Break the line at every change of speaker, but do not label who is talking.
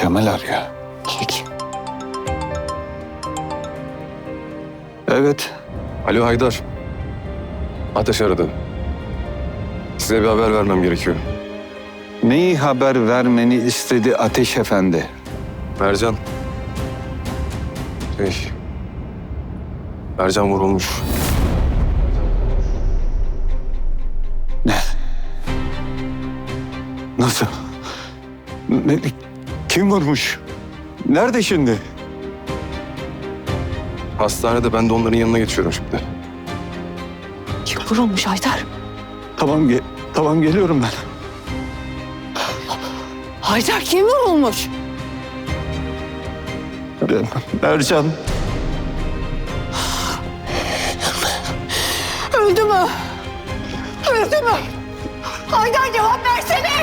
Temel arıyor.
Peki.
Evet.
Alo Haydar. Ateş aradı. Size bir haber vermem gerekiyor.
Neyi haber vermeni istedi Ateş Efendi?
Mercan. Mercan vurulmuş.
Ne? Nasıl? Ne? Kim vurmuş? Nerede şimdi?
Hastanede, ben de onların yanına geçiyorum şimdi.
Kim vurulmuş Haydar?
Tamam geliyorum ben.
Haydar kim vurulmuş?
Mercan.
Öldü mü? Öldü mü? Haydar cevap versene!